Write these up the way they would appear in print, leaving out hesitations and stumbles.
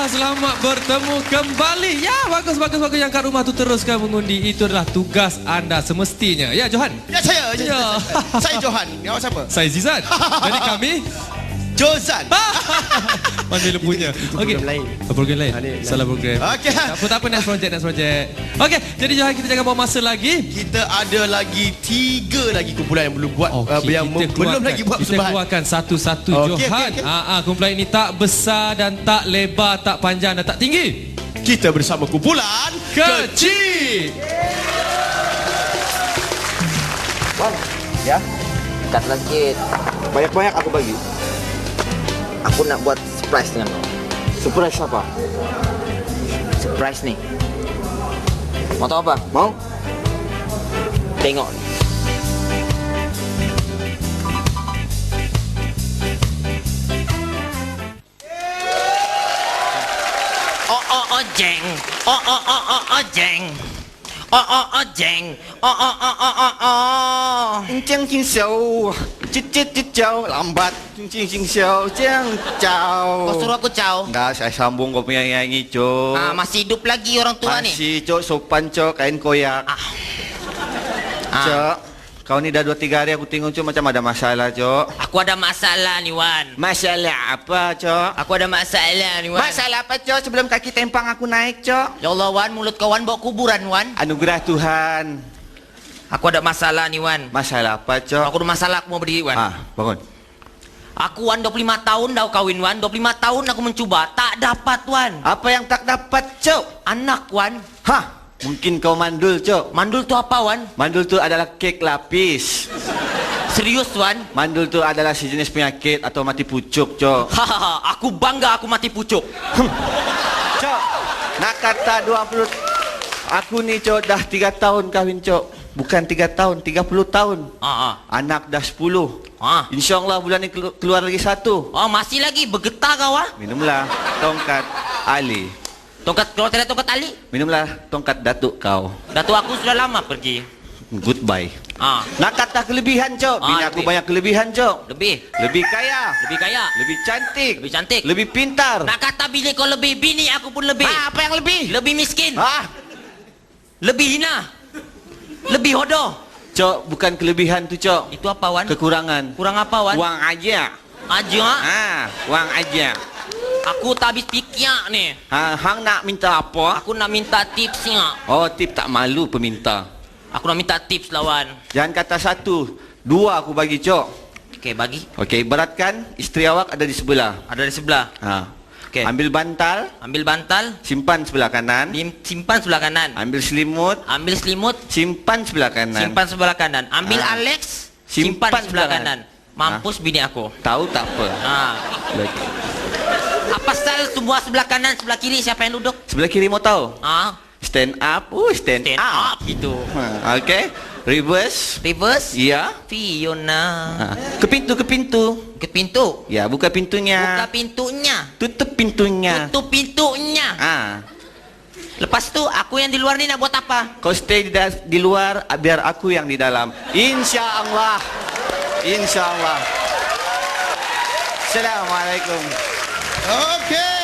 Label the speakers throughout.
Speaker 1: selamat bertemu kembali. Ya, bagus. Yang kat rumah tu teruskan mengundi. Itu adalah tugas anda semestinya. Ya, Johan?
Speaker 2: Ya, saya.
Speaker 1: Ya.
Speaker 2: Saya Johan. Awak siapa?
Speaker 1: Saya Zizan. Jadi kami
Speaker 2: Jozan.
Speaker 1: mana lempunya. Okey. Program lain. Salah program.
Speaker 2: Okey.
Speaker 1: Tak apa, next project. Okey, jadi Johan, kita jangan buang masa lagi.
Speaker 2: Kita ada lagi 3 lagi kumpulan yang belum buat, yang belum lagi buat
Speaker 1: kita
Speaker 2: persembahan.
Speaker 1: keluarkan satu-satu, Johan. Kumpulan ini tak besar dan tak lebar, tak panjang dan tak tinggi.
Speaker 2: Kita bersama kumpulan
Speaker 1: Kecil.
Speaker 3: Bang, ya? Katlah sikit. Banyak-banyak aku bagi. Aku nak buat surprise dengan kau. Surprise apa? Surprise ni. Mau tahu apa? Mau? Tengok ni.
Speaker 4: Jeng. Jeng. Jeng.
Speaker 3: Jeng jing xiao. Cicit jauh lambat. Jing jing xiao jeng jauh.
Speaker 4: Kau suruh aku caw.
Speaker 3: Enggak, saya sambung kau punya nyanyi, Cok.
Speaker 4: Masih hidup lagi orang tua ni.
Speaker 3: Masih, Cok, sopan, Cok, kain koyak. Cok, kau ni dah 2-3 hari aku tengok, Cok, macam ada masalah, Cok.
Speaker 4: Aku ada masalah ni, Wan.
Speaker 3: Masalah apa, Cok?
Speaker 4: Aku ada masalah ni, Wan.
Speaker 3: Masalah apa, Cok? Sebelum kaki tempang aku naik, Cok.
Speaker 4: Ya Allah, Wan, mulut kau, Wan, bawa kuburan, Wan.
Speaker 3: Anugerah Tuhan.
Speaker 4: Aku ada masalah ni, Wan.
Speaker 3: Masalah apa, Cok?
Speaker 4: Aku ada masalah, aku mau berdiri, Wan.
Speaker 3: Bangun.
Speaker 4: Aku, Wan, 25 tahun dah kawin, Wan. 25 tahun aku mencuba. Tak dapat, Wan.
Speaker 3: Apa yang tak dapat, Cok?
Speaker 4: Anak, Wan.
Speaker 3: Mungkin kau mandul, Cok.
Speaker 4: Mandul tu apa, Wan?
Speaker 3: Mandul tu adalah kek lapis.
Speaker 4: Serius, Wan?
Speaker 3: Mandul tu adalah sejenis penyakit atau mati pucuk, Cok.
Speaker 4: Aku bangga aku mati pucuk.
Speaker 3: Cok, nak kata 20. Aku ni, Cok, dah 3 tahun kahwin, Cok. Bukan 3 tahun, 30 tahun. Anak dah 10. InsyaAllah bulan ni keluar lagi 1.
Speaker 4: Masih lagi bergetar kau,
Speaker 3: Minumlah tongkat Ali.
Speaker 4: Kalau tidak tongkat Ali?
Speaker 3: Minumlah tongkat datuk kau.
Speaker 4: Datuk aku sudah lama pergi.
Speaker 3: Goodbye. Nak kata kelebihan, Cok. Bini aku banyak kelebihan, Cok. Lebih kaya. Lebih cantik. Lebih pintar.
Speaker 4: Nak kata bini kau lebih, bini aku pun lebih.
Speaker 3: Apa yang lebih?
Speaker 4: Lebih miskin. Lebih hina. Lebih hodoh.
Speaker 3: Cok, bukan kelebihan tu, Cok.
Speaker 4: Itu apa, Wan?
Speaker 3: Kekurangan.
Speaker 4: Kurang apa, Wan?
Speaker 3: Wang aja. Wang aja.
Speaker 4: Aku tak habis fikir ni.
Speaker 3: Hang nak minta apa?
Speaker 4: Aku nak minta tipsnya.
Speaker 3: Tip tak malu peminta.
Speaker 4: Aku nak minta tips, lawan.
Speaker 3: Jangan kata 1, 2 aku bagi, Cok.
Speaker 4: Okey, bagi.
Speaker 3: Okey, beratkan isteri awak ada di sebelah.
Speaker 4: Ada di sebelah. Okay.
Speaker 3: Ambil bantal. Simpan sebelah kanan.
Speaker 4: Simpan sebelah kanan.
Speaker 3: Ambil selimut. Simpan sebelah kanan.
Speaker 4: Ambil Alex. Simpan sebelah kanan. Mampus bini aku.
Speaker 3: Tahu tak apa.
Speaker 4: Apa pasal semua sebelah kanan, sebelah kiri siapa yang duduk?
Speaker 3: Sebelah kiri mau tahu? Stand up. Stand up.
Speaker 4: Gitu.
Speaker 3: Okey. Reverse. Ya.
Speaker 4: Fiona.
Speaker 3: Ke pintu.
Speaker 4: Ke pintu.
Speaker 3: Ya, buka pintunya.
Speaker 4: Buka pintunya.
Speaker 3: Tutup pintunya.
Speaker 4: Tutup pintunya. Lepas tu aku yang di luar ni nak buat apa?
Speaker 3: Kau stay di luar, biar aku yang di dalam. Insya-Allah. Insya-Allah. Assalamualaikum.
Speaker 2: Okey.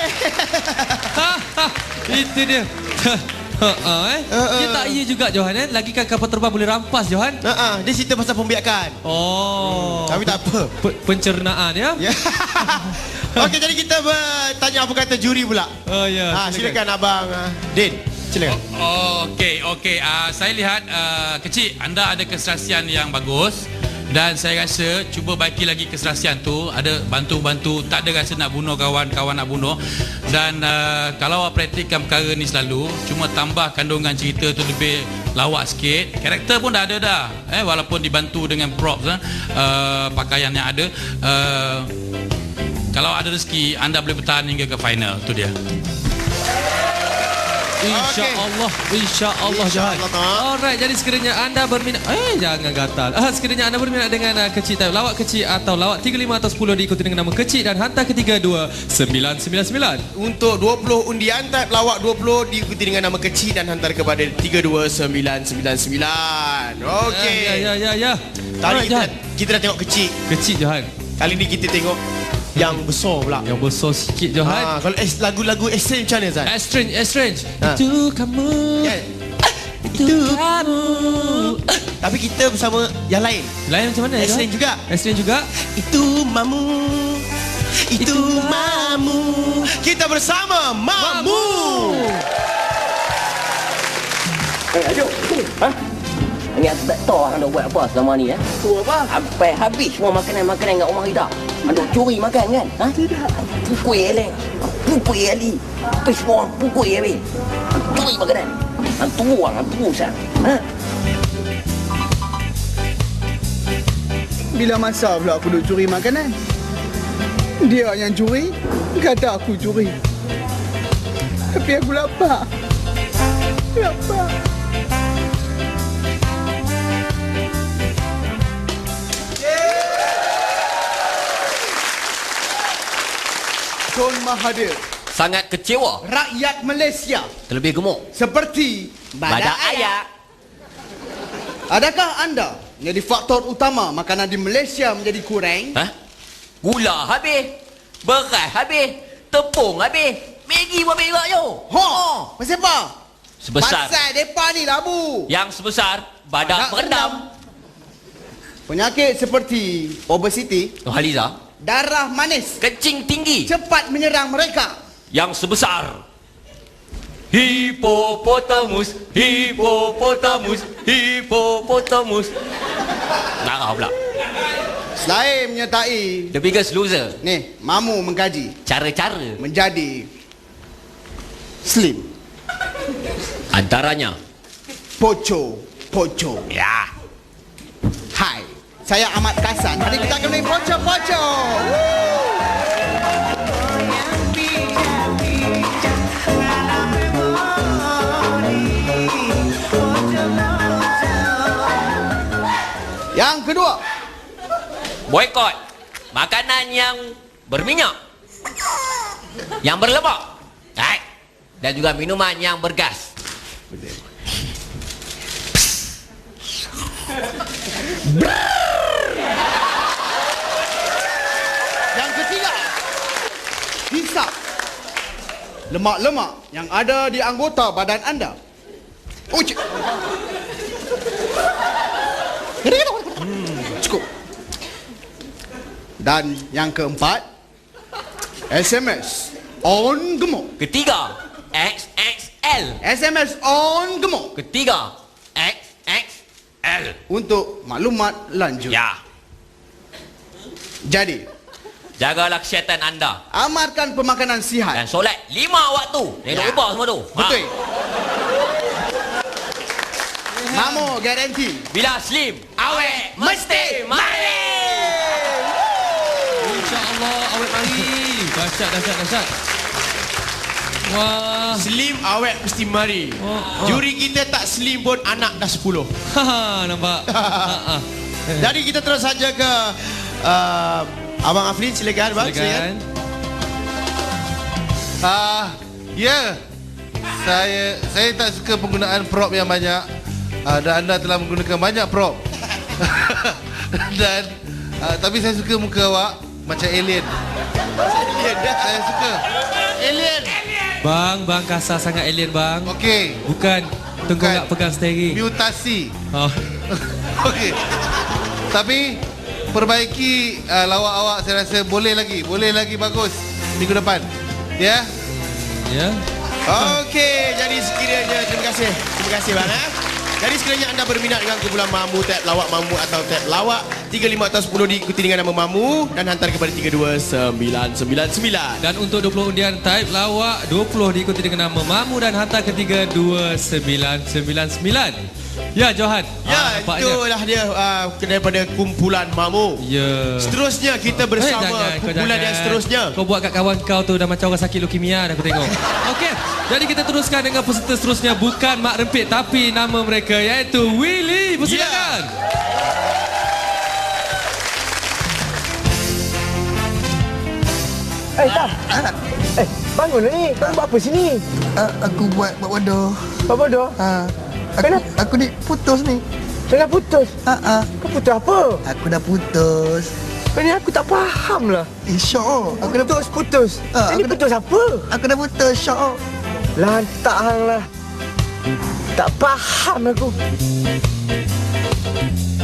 Speaker 1: Itu dia. Dia tak iya juga, Johan. Lagi kan kapal terbang boleh rampas, Johan.
Speaker 2: Dia cerita pasal pembiakan. Tapi tak apa.
Speaker 1: Pencernaan, ya.
Speaker 2: Okey, jadi kita bertanya apa kata juri pula.
Speaker 1: Ya.
Speaker 2: Silakan Abang Din. Silakan.
Speaker 5: Okey. Saya lihat kecil anda ada keserasian yang bagus. Dan saya rasa cuba baiki lagi keserasian tu. Ada bantu-bantu. Tak ada rasa nak bunuh kawan-kawan nak bunuh. Dan kalau awak praktikkan perkara ni selalu, cuma tambah kandungan cerita tu lebih lawak sikit. Karakter pun dah ada dah. Walaupun dibantu dengan props, pakaian yang ada. Kalau ada rezeki, anda boleh bertahan hingga ke final. Tu dia.
Speaker 1: InsyaAllah Johan. Alright, jadi sekiranya anda berminat, jangan gatal. Sekiranya anda berminat dengan kecil type, lawak kecil atau lawak 35 atau 10 diikuti dengan nama kecil dan hantar ke 32999.
Speaker 2: Untuk 20 undian type lawak 20 diikuti dengan nama kecil dan hantar kepada 32999. Okey.
Speaker 1: Ya.
Speaker 2: Tadi kita dah tengok kecil.
Speaker 1: Kecil, Johan.
Speaker 2: Kali ni kita tengok yang besar pula.
Speaker 1: Yang besar sikit Johan.
Speaker 2: Kalau lagu-lagu Estrange macam mana Zan?
Speaker 1: Estrange. Itu kamu.
Speaker 2: Kan?
Speaker 1: Itu kamu.
Speaker 2: Tapi kita bersama yang lain.
Speaker 1: Lain macam mana?
Speaker 2: Estrange juga.
Speaker 1: Estrange juga.
Speaker 2: Itu mamu. Itu mamu. Kita bersama Mamu.
Speaker 6: Aduh, ha? Ni aku tak tahu hang dah buat apa selama ni Tu apa? Sampai habis semua makanan-makanan kat rumah kita. Aduh, curi makan kan? Ha? Tidak. Pukul eleng. Pukul ali. Habis semua pukul habis. Curi makanan. Hang tunggu sang. Ha?
Speaker 7: Bila masa pula aku duk curi makanan? Dia yang curi, kata aku curi. Tapi aku lapar. Lapar. Tun Mahathir,
Speaker 4: Sangat kecewa.
Speaker 7: rakyat Malaysia
Speaker 4: Terlebih gemuk.
Speaker 7: seperti
Speaker 4: Badak ayak.
Speaker 7: Adakah anda menjadi faktor utama makanan di Malaysia menjadi kurang?
Speaker 4: Ha? Gula habis. Beras habis. Tepung habis. Maggi pun berak je.
Speaker 7: Pasal apa?
Speaker 4: Sebesar.
Speaker 7: Pasal depa ni labu.
Speaker 4: Yang sebesar badak berendam.
Speaker 7: Penyakit seperti obesiti,
Speaker 4: Haliza.
Speaker 7: darah manis
Speaker 4: Kencing tinggi.
Speaker 7: cepat menyerang mereka.
Speaker 4: Yang sebesar Hippopotamus. Narah pula.
Speaker 7: Selain menyertai
Speaker 4: The biggest loser.
Speaker 7: ni, Mamu mengkaji
Speaker 4: Cara-cara
Speaker 7: menjadi slim,
Speaker 4: antaranya.
Speaker 7: poco.
Speaker 4: Ya.
Speaker 7: Hai, saya Ahmad Kasan. Hari kita akan main poco. Yang kedua,
Speaker 4: Boykot makanan yang berminyak, yang berlemak, dan juga minuman yang bergas.
Speaker 7: yang ketiga, hisap lemak-lemak yang ada di anggota badan anda. Cukup. Dan yang keempat, SMS on gemuk.
Speaker 4: Ketiga, XXL.
Speaker 7: SMS on gemuk.
Speaker 4: Ketiga, XXL.
Speaker 7: Untuk maklumat lanjut.
Speaker 4: Ya.
Speaker 7: Jadi,
Speaker 4: Jagalah kesihatan anda
Speaker 7: amalkan pemakanan sihat.
Speaker 4: dan solat 5 waktu. Jangan lupa semua tu.
Speaker 7: Betul. Mamu garanti.
Speaker 4: Bila slim, awet mesti mari.
Speaker 1: InsyaAllah awet mari. Dahsyat. Wah.
Speaker 2: Slim awet mesti mari. Juri kita tak slim pun anak dah 10.
Speaker 1: Nampak.
Speaker 2: Jadi kita terus saja ke Abang Afrin, silakan bang.
Speaker 1: Silakan.
Speaker 8: Ya. Saya tak suka penggunaan prop yang banyak. Dan anda telah menggunakan banyak prop. Dan tapi saya suka muka awak macam alien. Saya suka alien.
Speaker 1: Bang kasar sangat alien bang.
Speaker 8: Okey.
Speaker 1: Bukan tengkorak pegang steering.
Speaker 8: Mutasi.
Speaker 1: Oh.
Speaker 8: Okey. Tapi perbaiki lawak awak, saya rasa boleh lagi bagus minggu depan. Ya.
Speaker 1: Ya.
Speaker 2: Okey, jadi sekiranya terima kasih bang. Jadi sekiranya anda berminat dengan kumpulan Mamu, tab lawak Mamu atau tab lawak 35 atau 10 diikuti dengan nama Mamu dan hantar kepada 32999.
Speaker 1: Dan untuk 20 undian type lawak 20 diikuti dengan nama Mamu dan hantar ke 32999. Ya Johan.
Speaker 2: Ya, itulah dia daripada kumpulan Mamu.
Speaker 1: Ya.
Speaker 2: Seterusnya kita bersama kumpulan yang seterusnya.
Speaker 1: Kau buat kat kawan kau tu dah macam orang sakit leukemia dah aku tengok. Okey. Jadi kita teruskan dengan peserta seterusnya, bukan Mak Rempit tapi nama mereka iaitu Willy. Persilakan.
Speaker 9: Tam. Bangun ni. Kau buat apa sini?
Speaker 10: Aku buat bodoh.
Speaker 9: Buat bodoh?
Speaker 10: Aku ni putus ni.
Speaker 9: Tengah putus? Kau putus apa?
Speaker 10: Aku dah putus.
Speaker 9: Ini aku tak faham lah.
Speaker 10: Syok. Aku dah
Speaker 9: Putus. Ini putus apa?
Speaker 10: Aku dah putus, Syok.
Speaker 9: Lantak hang lah. Tak faham aku.